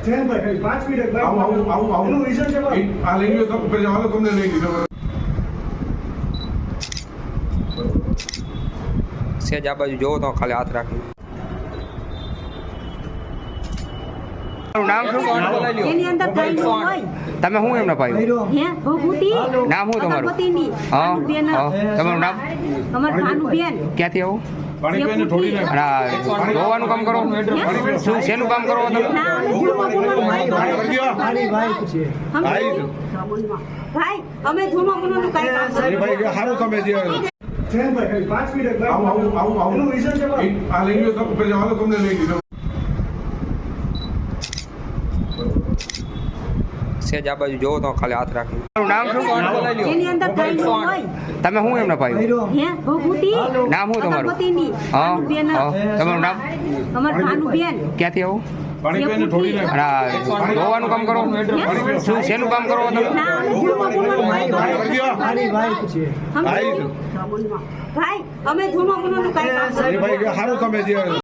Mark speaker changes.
Speaker 1: ભાઈ 5 મિનિટ આવું એનું રીઝન છે
Speaker 2: આ લઈ લો તો ઉપર જવાનો તમને લઈ લીધો
Speaker 3: સેજ આ બાજુ જોવો તો ખાલી હાથ રાખી નામ શું
Speaker 4: એની અંદર કઈ ન હોય
Speaker 3: તમે શું એમને પાયું
Speaker 4: હે ભભૂતિ
Speaker 3: નામ શું તમારું
Speaker 4: પતિની
Speaker 3: હા
Speaker 4: બેન
Speaker 3: તમારું નામ
Speaker 4: અમાર ભાનુબેન
Speaker 3: ક્યાંથી આવું
Speaker 2: પાણી પીને થોડી ના
Speaker 3: અને ધોવાનું કામ કરો શું શેનું કામ કરો તમે
Speaker 4: ના અમે ધૂળમાં બોલવાનું
Speaker 2: ભાઈ
Speaker 4: ભાઈ અમે ધૂળમાં બોલવાનું કાઈ કામ
Speaker 2: ભાઈ સારું તમે જે
Speaker 1: ભાઈ 5 મિનિટ
Speaker 2: આવું
Speaker 1: એનું રીઝન છે
Speaker 2: આ લઈ લો તો ઉપર જવાનો તમને લઈ લીધો
Speaker 3: સેજ આ બાજુ જોવો તો ખાલી હાથ રાખી નામ શું
Speaker 4: એની અંદર કઈ ન હોય
Speaker 3: તમે શું એમને પાયું
Speaker 4: હે ભભૂતિ
Speaker 3: નામ શું તમારું
Speaker 4: પતિની
Speaker 3: હા
Speaker 4: બેન
Speaker 3: તમારું નામ
Speaker 4: અમાર ભાનુબેન
Speaker 3: ક્યાંથી આવું
Speaker 2: પાણી પીને થોડી ના
Speaker 3: અને ધોવાનું કામ કરો શું શેનું કામ કરો તમે
Speaker 4: ના અમે ધૂળમાં બોલવાનું ભાઈ અમે ધૂળમાં બોલવાનું કાઈ કામ
Speaker 2: ભાઈ સારું તમે જે